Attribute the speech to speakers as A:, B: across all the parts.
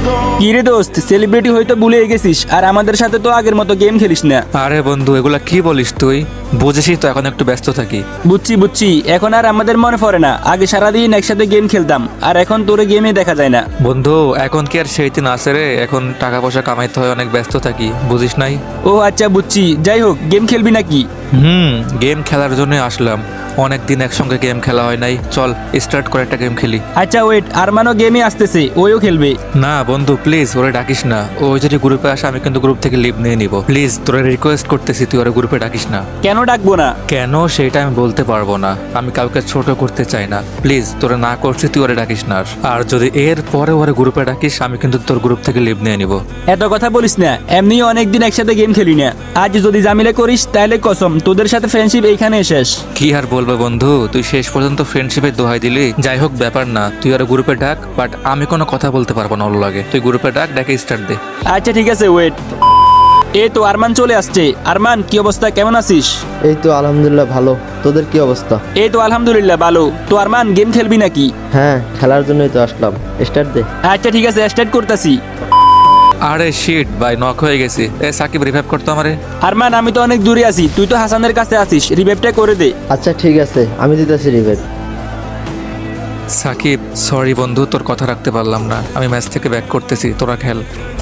A: কি রে দোস্ত, সেলিব্রিটি হয়তো ভুলে গেছিস, আর আমাদের সাথে তো আগের মতো গেম খেলিস না।
B: আরে বন্ধু, এগুলা কি বলিস তুই? বুঝেছিস তো এখন একটু ব্যস্ত থাকি।
A: বুঝছি, এখন আর আমাদের মনে পড়ে না। আগে সারাদিন একসাথে গেম খেলতাম, আর এখন তোরে গেমে দেখা যায় না।
B: বন্ধু, এখন কি আর সেই দিন আছে রে? এখন টাকা পয়সা কামাইতে হয়, অনেক ব্যস্ত থাকি, বুঝিস নাই?
A: ও আচ্ছা, বুঝছি। যাই হোক, গেম খেলবি নাকি?
B: গেম খেলার জন্য আসলাম। অনেক দিন একসঙ্গে গেম খেলা হয় নাই, চল স্টার্ট করে একটা গেম খেলি।
A: আচ্ছা ওয়েট, আরমানও গেমে আসতেছে, ওইও খেলবে।
B: না বন্ধু প্লিজ, ওরে ডাকিস না। ও যদি গ্রুপে আসে আমি কিন্তু গ্রুপ থেকে লিভ নিয়ে নিব। প্লিজ তোরে রিকোয়েস্ট করতেছি, তুই ওরে গ্রুপে ডাকিস না।
A: কেন ডাকবো না?
B: কেন সেটা আমি বলতে পারবো না, আমি কাউকে ছোট করতে চাই না। প্লিজ তোরে না করছি, তুই ওরে ডাকিস না। আর যদি এর পরে ওরে গ্রুপে ডাকিস আমি কিন্তু তোর গ্রুপ থেকে লিভ নিয়ে নিব।
A: এত কথা বলিস না, এমনি অনেকদিন একসাথে গেম খেলি না। আজ যদি জামিলে করিস তাহলে কসম, তোদের সাথে ফ্রেন্ডশিপ এইখানে শেষ।
B: কি আর বলবো বন্ধু, তুই শেষ পর্যন্ত ফ্রেন্ডশিপের দোহাই দিলি। যাই হোক, ব্যাপার না, তুই আর গ্রুপে ডাক, বাট আমি কোনো কথা বলতে পারবো না ওর লাগে। তুই গ্রুপে ডাক, ডাকে স্টার্ট দে।
A: আচ্ছা ঠিক আছে, ওয়েট। এই তো আরমান চলে আসছে। আরমান, কি অবস্থা, কেমন আছিস?
C: এই তো আলহামদুলিল্লাহ ভালো। তোদের কি অবস্থা?
A: এই তো আলহামদুলিল্লাহ ভালো। তো আরমান, গেম খেলবি নাকি?
C: হ্যাঁ, খেলার জন্যই তো আসলাম। স্টার্ট দে।
A: আচ্ছা ঠিক আছে, স্টার্ট করতেছি।
B: আরে শিট ভাই, নক হয়ে গেছি। এ সাকিব, রিভাইভ করতো আমারে।
A: আরমান, আমি তো অনেক দূরে আছি, তুই তো হাসানের কাছে আছিস, রিভাইভটা করে দে।
C: আচ্ছা ঠিক আছে, আমি দিতেছি রিভেট।
B: সাকিব সরি বন্ধু, তোর কথা রাখতে পারলাম না। আমি ম্যাচ থেকে ব্যাক করতেছি, তোরা খেল।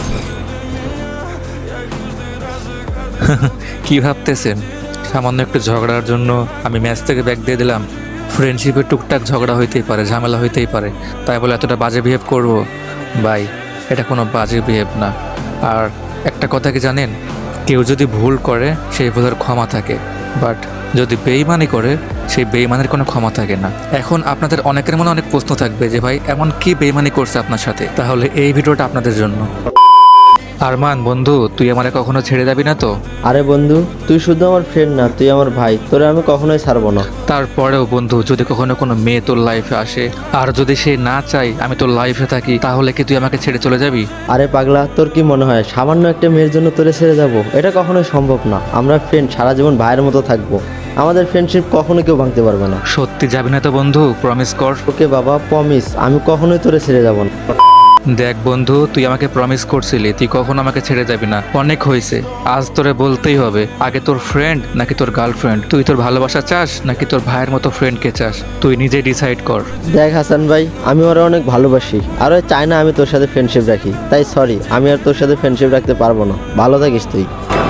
B: কি ভাবতেছেন? সামান্য একটু ঝগড়ার জন্য আমি ম্যাচ থেকে ব্যাক দিয়ে দিলাম? ফ্রেন্ডশিপে টুকটাক ঝগড়া হইতেই পারে, ঝামেলা হইতেই পারে, তাই বলে এতটা বাজে বিহেভ করবো? ভাই, এটা কোনো বাজে বিহেভ না। আর একটা কথা কি জানেন, কেউ যদি ভুল করে সেই ভুলের ক্ষমা থাকে, বাট যদি বেইমানি করে সেই বেইমানের কোনো ক্ষমা থাকে না। এখন আপনাদের অনেকের মনে অনেক প্রশ্ন থাকবে যে ভাই এমন কি বেইমানি করছে আপনার সাথে, তাহলে এই ভিডিওটা আপনাদের জন্য। আরমান বন্ধু, তুই আমারে কখনো ছেড়ে যাবি না তো?
C: আরে বন্ধু, তুই শুধু আমার ফ্রেন্ড না, তুই আমার ভাই। তোরে আমি কখনোই ছাড়বো না।
B: তারপরেও বন্ধু, যদি কখনো কোনো মেয়ে তোর লাইফে আসে আর যদি সে না চাই আমি তোর লাইফে থাকি, তাহলে কি তুই আমাকে ছেড়ে চলে যাবি?
C: আরে পাগলা, তোর কি মনে হয় সামান্য একটা মেয়ের জন্য তোরে ছেড়ে যাব? এটা কখনোই সম্ভব না। আমরা ফ্রেন্ড, সারা জীবন ভাইয়ের মতো থাকবো। আমাদের ফ্রেন্ডশিপ কখনো কেউ ভাঙতে পারবে না।
B: সত্যি যাবি না তো বন্ধু? প্রমিস কর।
C: ওকে বাবা, প্রমিস, আমি কখনোই তোরে ছেড়ে যাব না।
B: দেখ বন্ধু, তুই আমাকে প্রমিস করছিলি তুই কখনো আমাকে ছেড়ে যাবি না। অনেক হয়েছে, আজ তোরে বলতেই হবে। আগে তোর ফ্রেন্ড নাকি তোর গার্লফ্রেন্ড? তুই তোর ভালোবাসা চাস নাকি তোর ভাইয়ের মতো ফ্রেন্ডকে চাস? তুই নিজে ডিসাইড কর।
C: দেখ হাসান ভাই, আমি ওরা অনেক ভালোবাসি, আর ওই চাই না আমি তোর সাথে ফ্রেন্ডশিপ রাখি। তাই সরি, আমি আর তোর সাথে ফ্রেন্ডশিপ রাখতে পারবো না। ভালো থাকিস তুই।